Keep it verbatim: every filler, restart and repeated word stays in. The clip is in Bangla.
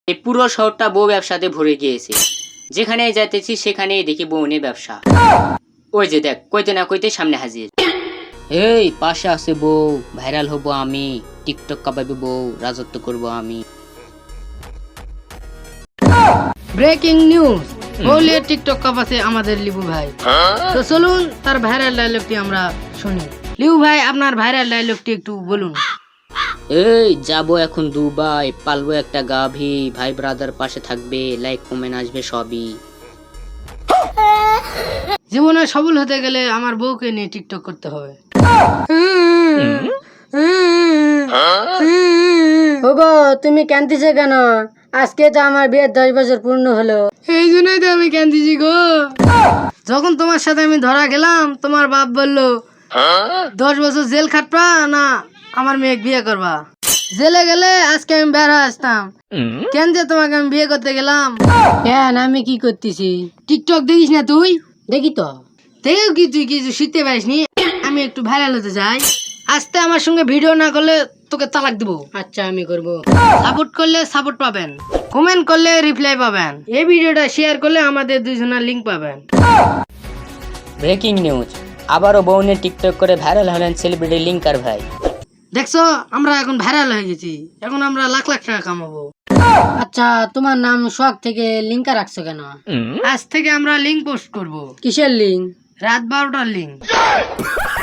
এই পুরো শহরটা বউ ব্যবসাতে ভরে গিয়েছে। যেখানে যাইতেছি সেখানেই দেখি বউ নিয়ে ব্যবসা। ওই যে দেখ, কইতে না কইতে সামনে হাজির। এই পাশে আছে বউ, ভাইরাল হব আমি, টিকটক কাঁপাবে বউ, রাজত্ব করব আমি। ব্রেকিং নিউজ, বউলিয়ে টিকটক কাপাছে আমাদের লিবু ভাই। তো চলুন তার ভাইরাল ডায়লগটি আমরা শুনি। লিবু ভাই, আপনার ভাইরাল ডায়লগটি একটু বলুন। এই যাব এখন দুবাই, পালবো একটা গাভী, ভাই ব্রাদার পাশে থাকবে, লাইক কমেন্ট আসবে সবই। জীবনে সফল হতে গেলে আমার বউকে নিয়ে টিকটক করতে হবে। ওগো, তুমি কাঁদতেছো কেন? আজকে তো আমার বিয়ের দশ বছর পূর্ণ হলো। এই জন্যই তো আমি কাঁদতেছি গো। যখন তোমার সাথে আমি ধরা গেলাম, তোমার বাপ বললো দশ বছর জেল খাটবা না আমার মেয়ে বিয়ে করবা। জেলে গেলে আজকে আমি বের হয়ে আসতাম। কেন যে তোমাকে আমি বিয়ে করতে গেলাম? কেন, আমি কি করতেছি? টিকটক দেখিস না তুই? দেখি তো। দেখেও কি তুই কিছু শিখতে পারিস নি? আমি একটু ভাইরাল হতে চাই। আজকে আমার সঙ্গে ভিডিও না করলে তোকে তালাক দিব। আচ্ছা, আমি করব। সাপোর্ট করলে সাপোর্ট পাবেন, কমেন্ট করলে রিপ্লাই পাবেন, এই ভিডিওটা শেয়ার করলে আমাদের দুইজনের লিংক পাবেন। ব্রেকিং নিউজ, আবারও বউ নিয়ে টিকটক করে ভাইরাল হলেন সেলিব্রিটি লিঙ্কার ভাই। দেখছো, আমরা এখন ভাইরাল হয়ে গেছি। এখন আমরা লাখ লাখ টাকা কামাবো। আচ্ছা, তোমার নাম শখ থেকে লিঙ্কা রাখছো কেন? আজ থেকে আমরা লিঙ্ক পোস্ট করব। কিসের লিঙ্ক? রাত বারোটার লিঙ্ক।